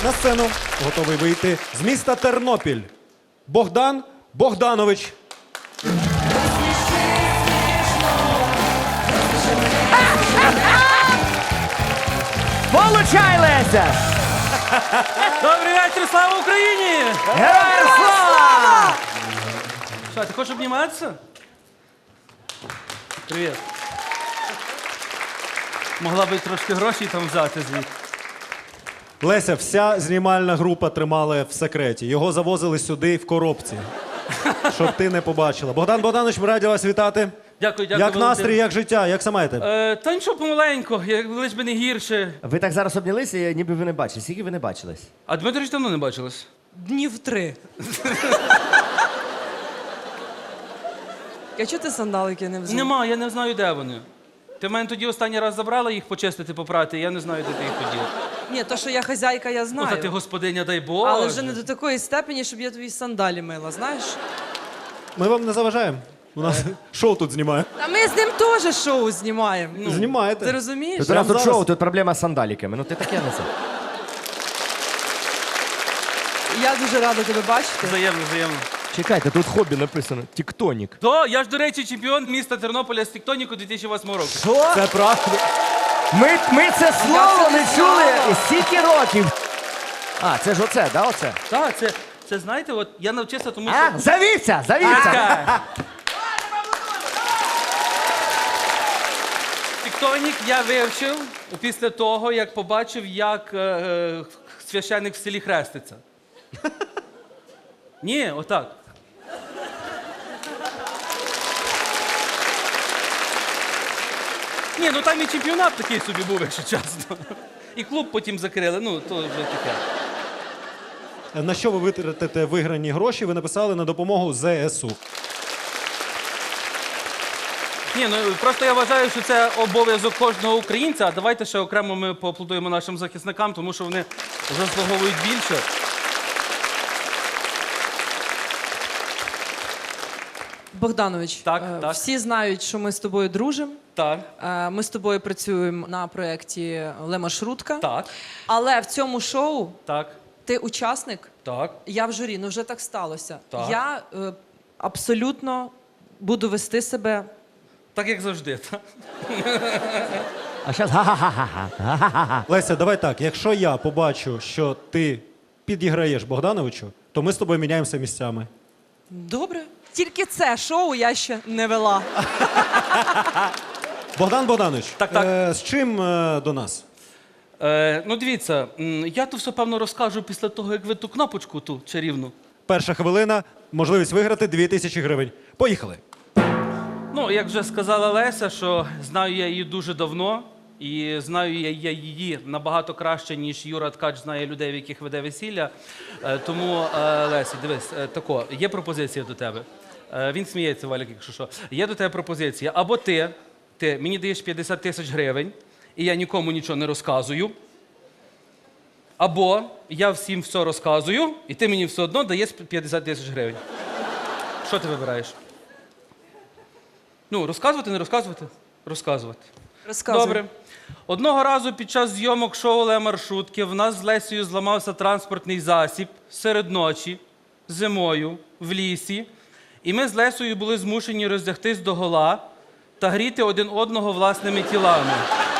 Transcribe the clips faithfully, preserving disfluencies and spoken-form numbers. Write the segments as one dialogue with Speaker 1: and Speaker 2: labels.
Speaker 1: На сцену готовий вийти з міста Тернопіль. Богдан Богданович.
Speaker 2: Получай, Леся!
Speaker 3: Добрий вечір, слава Україні!
Speaker 2: Героям слава!
Speaker 3: Що, ти хочеш обніматися? Привіт. Могла би трошки грошей там взяти звідти.
Speaker 1: Леся, вся знімальна група тримала в секреті. Його завозили сюди в коробці, щоб ти не побачила. Богдан Богданович, ми раді вас вітати.
Speaker 3: Дякую, дякую.
Speaker 1: Як настрій, як життя, як саме маєте?
Speaker 3: Е, та нічого помаленько, як лиш би не гірше.
Speaker 2: Ви так зараз обнялися, ніби ви не бачили. Скільки ви не бачились?
Speaker 3: А Дмитрич давно не бачились?
Speaker 4: Днів три. А чого ти сандалики не взяв?
Speaker 3: Нема, я не знаю, де вони. Ти в мене тоді останній раз забрала їх почистити, попрати, я не знаю, де ти їх поділа.
Speaker 4: Ні, то, що я хазяйка, я
Speaker 3: Ну,
Speaker 4: знаю.
Speaker 3: та ти господиня, дай Бог.
Speaker 4: Але вже не до такої степені, щоб я твої сандалі мила, знаєш?
Speaker 1: Ми вам не заважаємо. У нас шоу тут знімає.
Speaker 4: А ми з ним теж шоу знімаємо.
Speaker 3: Ну,
Speaker 1: Знімаєте.
Speaker 4: Ти розумієш?
Speaker 2: Тут у нас
Speaker 1: Прямо
Speaker 2: тут
Speaker 1: зараз?
Speaker 2: шоу, тут проблема з сандаліками. Ну ти таке несе.
Speaker 4: Я дуже рада тебе бачити.
Speaker 3: Взаємно, взаємно.
Speaker 2: Чекайте, тут хобі написано. Тіктонік.
Speaker 3: То, я ж, до речі, чемпіон міста Тернополя з тіктоніку дві тисячі восьмого року.
Speaker 2: Що?
Speaker 1: Це правда.
Speaker 2: Ми, ми це слово
Speaker 4: це
Speaker 2: не
Speaker 4: не
Speaker 2: чули
Speaker 4: знала.
Speaker 2: стільки років. А, це ж оце, да, оце?
Speaker 3: Так, це, це знаєте, от я навчився, тому що...
Speaker 2: А, завівся, завівся.
Speaker 3: Так. Тіктонік я вивчив після того, як побачив, як е, е, священник в селі хреститься. Ні, отак. Ні, ну там і чемпіонат такий собі був, якщо чесно. І клуб потім закрили, ну, то вже таке.
Speaker 1: На що ви витратите виграні гроші, ви написали на допомогу зе ес у.
Speaker 3: Ні, ну просто я вважаю, що це обов'язок кожного українця, а давайте ще окремо ми поаплодуємо нашим захисникам, тому що вони заслуговують більше.
Speaker 4: Богданович,
Speaker 3: Так,
Speaker 4: е,
Speaker 3: так.
Speaker 4: всі знають, що ми з тобою дружимо.
Speaker 3: Так,
Speaker 4: Е, Ми з тобою працюємо на проєкті «Ле Маршрутка».
Speaker 3: так,
Speaker 4: Але в цьому шоу
Speaker 3: так,
Speaker 4: ти учасник,
Speaker 3: так.
Speaker 4: я в журі, ну вже так сталося.
Speaker 3: Так.
Speaker 4: Я е, абсолютно буду вести себе.
Speaker 3: Так, як завжди. Так?
Speaker 2: А зараз га-га-га-га.
Speaker 1: Леся, давай так. Якщо я побачу, що ти підіграєш Богдановичу, то ми з тобою міняємося місцями.
Speaker 4: Добре. Тільки це шоу я ще не вела.
Speaker 1: Богдан Богданович,
Speaker 3: Так, так.
Speaker 1: Е, з чим е, до нас?
Speaker 3: Е, ну, дивіться, м, я то все, певно, розкажу після того, як ви ту кнопочку ту чарівну.
Speaker 1: Перша хвилина, можливість виграти дві тисячі гривень. Поїхали.
Speaker 3: Ну, як вже сказала Леся, що знаю я її дуже давно, і знаю я я її набагато краще, ніж Юра Ткач знає людей, в яких веде весілля. Е, тому, е, Леся, дивись, е, тако, є пропозиція до тебе. Е, він сміється, Валік, якщо що. Є до тебе пропозиція. Або ти, ти мені даєш п'ятдесят тисяч гривень, і я нікому нічого не розказую. Або я всім все розказую, і ти мені все одно даєш п'ятдесят тисяч гривень. Що ти вибираєш? Ну, розказувати, не розказувати? Розказувати.
Speaker 4: Розказуй.
Speaker 3: Добре. Одного разу під час зйомок шоу «Ле Маршрутки» в нас з Лесею зламався транспортний засіб серед ночі, зимою, в лісі. І ми з Лесею були змушені роздягтись догола та гріти один одного власними тілами.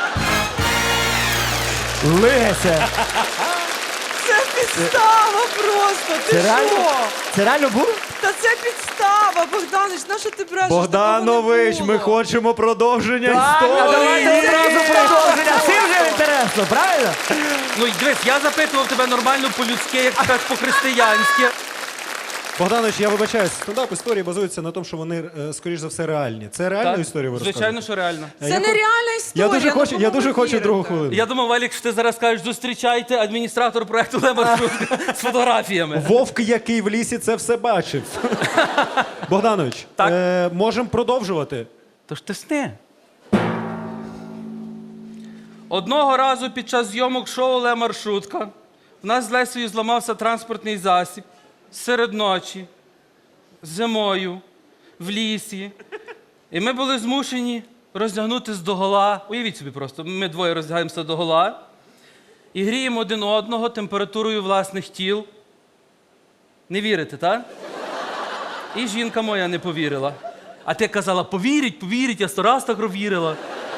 Speaker 2: Леся.
Speaker 4: Це підстава просто! Ти
Speaker 2: Це реально?
Speaker 4: що?
Speaker 2: Це реально було?
Speaker 4: Та це підстава, Богданович, на що ти брешеш?
Speaker 1: Богданович,
Speaker 4: Такого
Speaker 1: ми
Speaker 4: не було.
Speaker 1: хочемо продовження
Speaker 2: Так, а давайте
Speaker 1: історії.
Speaker 2: одразу продовження. Всім вже інтересно, правильно?
Speaker 3: Ну, і дивись, я запитував тебе нормально по-людськи, як ти кажеш, по-християнськи.
Speaker 1: Богданович, я вибачаюсь, стендап історії базуються на тому, що вони, е, скоріш за все, реальні. Це реальна
Speaker 3: Так,
Speaker 1: історія ви
Speaker 3: звичайно,
Speaker 1: розказуєте?
Speaker 3: що реально.
Speaker 1: Е,
Speaker 4: Це
Speaker 1: я
Speaker 4: нереальна
Speaker 1: хо-
Speaker 4: історія.
Speaker 1: Я дуже
Speaker 4: ну
Speaker 1: хочу,
Speaker 4: кому
Speaker 1: я дуже
Speaker 4: ви
Speaker 1: хочу
Speaker 4: вірите?
Speaker 1: другу хвилину.
Speaker 3: Я думав, Валік, що ти зараз кажеш, зустрічайте адміністратор проєкту «Ле Маршрутка» з фотографіями.
Speaker 1: Вовк, який в лісі це все бачив. Богданович,
Speaker 3: Так.
Speaker 1: е, можемо продовжувати.
Speaker 3: Тож ти сни. Одного разу під час зйомок шоу «Ле Маршрутка» в нас з Лесею зламався транспортний засіб серед ночі, зимою, в лісі. І ми були змушені роздягнутися догола. Уявіть собі просто, ми двоє роздягаємося догола. і гріємо один одного температурою власних тіл. Не вірите, так? І жінка моя не повірила. А ти казала, повірить, повірить, я сто раз так вірила.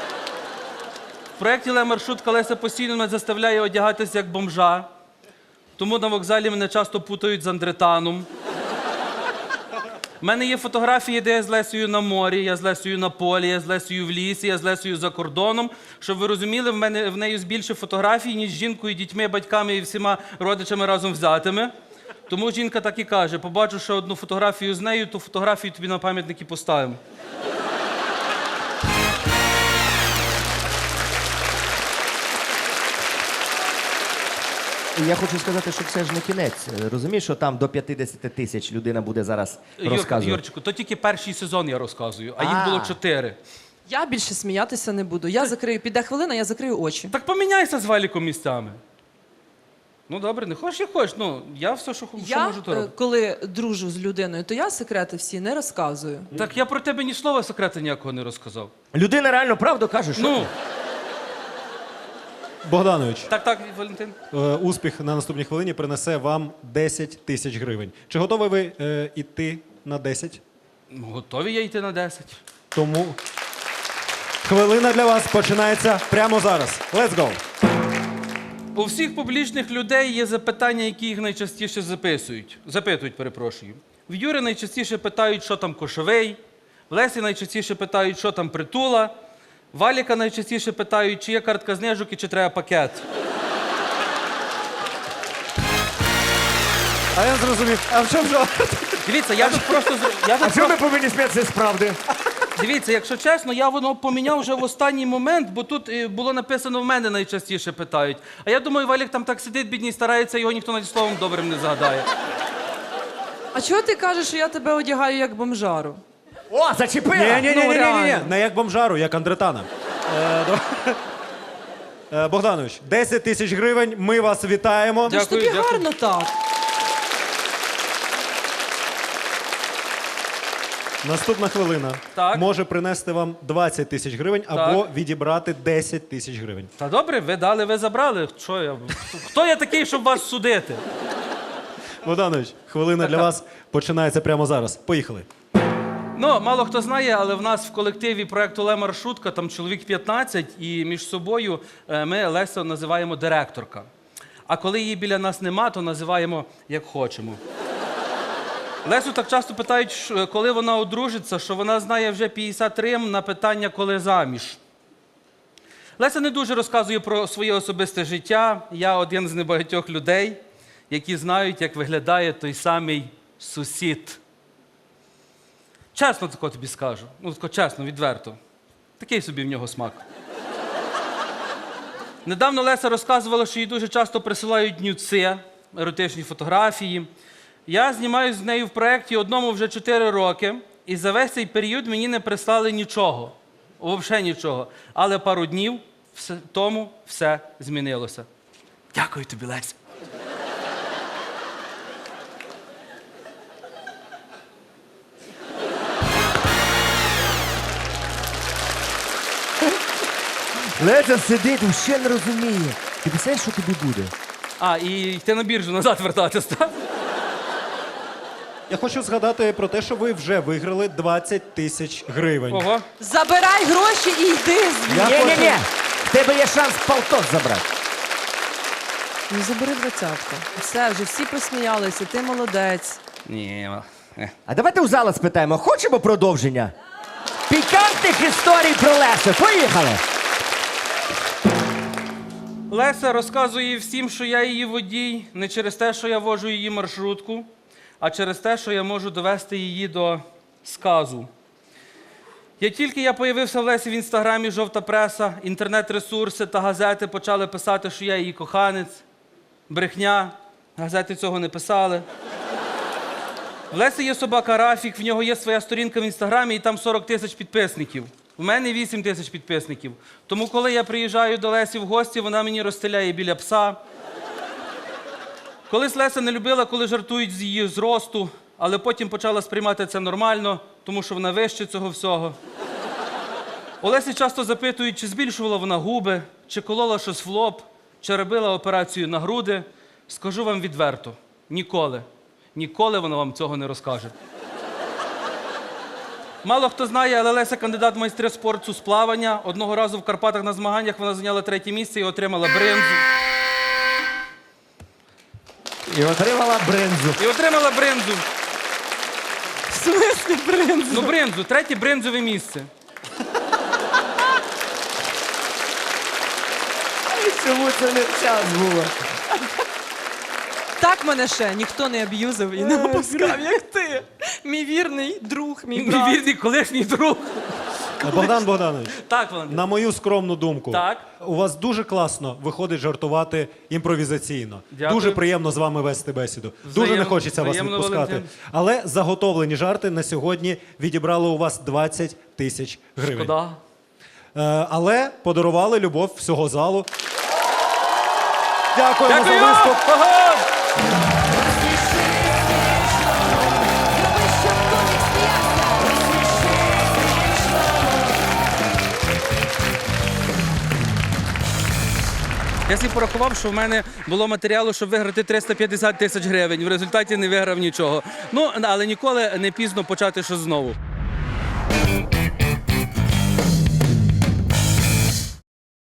Speaker 3: В проєкті «Ле-маршрутка» Леся постійно мене заставляє одягатися як бомжа. Тому на вокзалі мене часто путають з Андретаном. У мене є фотографії, де я з Лесею на морі, я з Лесею на полі, я з Лесею в лісі, я з Лесею за кордоном. Щоб ви розуміли, в мене в неї більше фотографій, ніж з жінкою, дітьми, батьками і всіма родичами разом взятими. Тому жінка так і каже: побачу ще одну фотографію з нею, то фотографію тобі на пам'ятник і поставимо.
Speaker 2: Я хочу сказати, що це ж не кінець. Розумієш, що там до п'ятдесят тисяч людина буде зараз
Speaker 3: Юр,
Speaker 2: розказувати.
Speaker 3: Юрчику, то тільки перший сезон я розказую, а їх
Speaker 2: А.
Speaker 3: було чотири.
Speaker 4: Я більше сміятися не буду. Я закрию, піде хвилина, я закрию очі.
Speaker 3: Так поміняйся з Валіком місцями. Ну добре, не хочеш, як хочеш. Ну, я все, що, що
Speaker 4: Я,
Speaker 3: можу, то
Speaker 4: е,
Speaker 3: роблю.
Speaker 4: коли дружу з людиною, то я секрети всі не розказую.
Speaker 3: Так я про тебе ні слова секрета ніякого не розказав.
Speaker 2: Людина реально правду каже, що
Speaker 3: Ну,
Speaker 1: Богданович,
Speaker 3: так, так, Валентин.
Speaker 1: е, успіх на наступній хвилині принесе вам десять тисяч гривень. Чи готові ви е, йти на десять?
Speaker 3: Ну, готові я йти на десять.
Speaker 1: Тому хвилина для вас починається прямо зараз. Let's go!
Speaker 3: У всіх публічних людей є запитання, які їх найчастіше записують. Запитують, перепрошую. В Юри найчастіше питають, що там кошовий. В Лесі найчастіше питають, що там притула. Валіка найчастіше питають, чи є картка знижок і чи треба пакет.
Speaker 1: А я зрозумів. А в чому жарт?
Speaker 3: Дивіться, я тут просто... зр- Я тут
Speaker 2: А чому ми повинні сміятися з правди?
Speaker 3: Дивіться, якщо чесно, я воно поміняв вже в останній момент, бо тут е, було написано в мене найчастіше питають. А я думаю, Валік там так сидить, бідній, старається, його ніхто навіть словом добрим не згадає.
Speaker 4: А чого ти кажеш, що я тебе одягаю як бомжару?
Speaker 2: О, зачепила!
Speaker 1: Ні, ні, ні,
Speaker 4: Ну,
Speaker 1: ні, ні, ні,
Speaker 4: реально.
Speaker 1: не як бомжару, як Андретана. Е, до- Е, Богданович, десять тисяч гривень, ми вас вітаємо.
Speaker 3: Дякую,
Speaker 4: Ж тобі
Speaker 3: дякую.
Speaker 4: гарно так.
Speaker 1: Наступна хвилина
Speaker 3: Так.
Speaker 1: може принести вам двадцять тисяч гривень або відібрати десять тисяч гривень.
Speaker 3: Та добре, ви дали, ви забрали. Що я? Хто я такий, щоб вас судити?
Speaker 1: Богданович, хвилина для вас починається прямо зараз. Поїхали.
Speaker 3: Ну, мало хто знає, але в нас в колективі проєкту «Ле-маршрутка» там чоловік п'ятнадцять, і між собою е, ми Лесю називаємо директорка. А коли її біля нас нема, то називаємо як хочемо. Лесю так часто питають, що- коли вона одружиться, що вона знає вже п'ятдесят рим на питання, коли заміж. Леся не дуже розказує про своє особисте життя. Я один з небагатьох людей, які знають, як виглядає той самий сусід. Чесно тако тобі скажу. Ну, тако чесно, відверто. Такий собі в нього смак. Недавно Леся розказувала, що їй дуже часто присилають нюци, еротичні фотографії. Я знімаю з нею в проєкті одному вже чотири роки, і за весь цей період мені не прислали нічого. Взагалі нічого. Але пару днів все, тому все змінилося. Дякую тобі, Леся.
Speaker 2: Леся сидить, ще не розуміє. Ти писаєш, що тобі буде?
Speaker 3: А, і йти на біржу назад вертатись, так?
Speaker 1: Я хочу згадати про те, що ви вже виграли двадцять тисяч гривень.
Speaker 3: Ого.
Speaker 4: Забирай гроші і йди звідси.
Speaker 1: Я
Speaker 2: Ні, ні,
Speaker 1: хочу-
Speaker 2: ні. В тебе є шанс полтос забрати.
Speaker 4: Ну забери двадцятку. Все, вже всі посміялися, ти молодець.
Speaker 3: Ні, е.
Speaker 2: А давайте у зала спитаємо, хочемо продовження? Пікантних історій про Лесю. Поїхали!
Speaker 3: Леся розказує всім, що я її водій, не через те, що я вожу її маршрутку, а через те, що я можу довести її до сказу. Як тільки я появився в Лесі в інстаграмі, жовта преса, інтернет-ресурси та газети почали писати, що я її коханець. Брехня, газети цього не писали. В Лесі є собака Рафік, в нього є своя сторінка в інстаграмі, і там сорок тисяч підписників. У мене вісім тисяч підписників. Тому, коли я приїжджаю до Лесі в гості, вона мені розстеляє біля пса. Колись Леся не любила, коли жартують з її зросту, але потім почала сприймати це нормально, тому що вона вище цього всього. У Лесі часто запитують, чи збільшувала вона губи, чи колола щось в лоб. чи робила операцію на груди, скажу вам відверто, ніколи, ніколи вона вам цього не розкаже. Мало хто знає, але Леся кандидат в майстри спорту з плавання. Одного разу в Карпатах на змаганнях вона зайняла третє місце і отримала бринзу.
Speaker 2: І отримала бринзу.
Speaker 3: І отримала бринзу.
Speaker 4: В смислі бринзу?
Speaker 3: Ну, бринзу, третє бринзове місце.
Speaker 2: Чому це не в час було?
Speaker 4: Так мене ще ніхто не аб'юзив і не опускав, як ти. Мій вірний друг, мій
Speaker 3: Мій
Speaker 4: брат.
Speaker 3: вірний колишній друг.
Speaker 1: Богдан Богданович,
Speaker 3: Так, Валентин.
Speaker 1: на мою скромну думку,
Speaker 3: Так.
Speaker 1: у вас дуже класно виходить жартувати імпровізаційно.
Speaker 3: Дякую.
Speaker 1: Дуже приємно з вами вести бесіду. дуже
Speaker 3: Взаєм-
Speaker 1: не хочеться вас
Speaker 3: взаємно,
Speaker 1: відпускати.
Speaker 3: Валентин.
Speaker 1: Але заготовлені жарти на сьогодні відібрали у вас двадцять тисяч гривень.
Speaker 3: Шкода.
Speaker 1: Е, але подарували любов всього залу. Дякуємо
Speaker 3: Дякую!
Speaker 1: за виступ.
Speaker 3: Ага! Я собі порахував, що в мене було матеріалу, щоб виграти триста п'ятдесят тисяч гривень. В результаті не виграв нічого. Ну, але ніколи не пізно почати щось знову.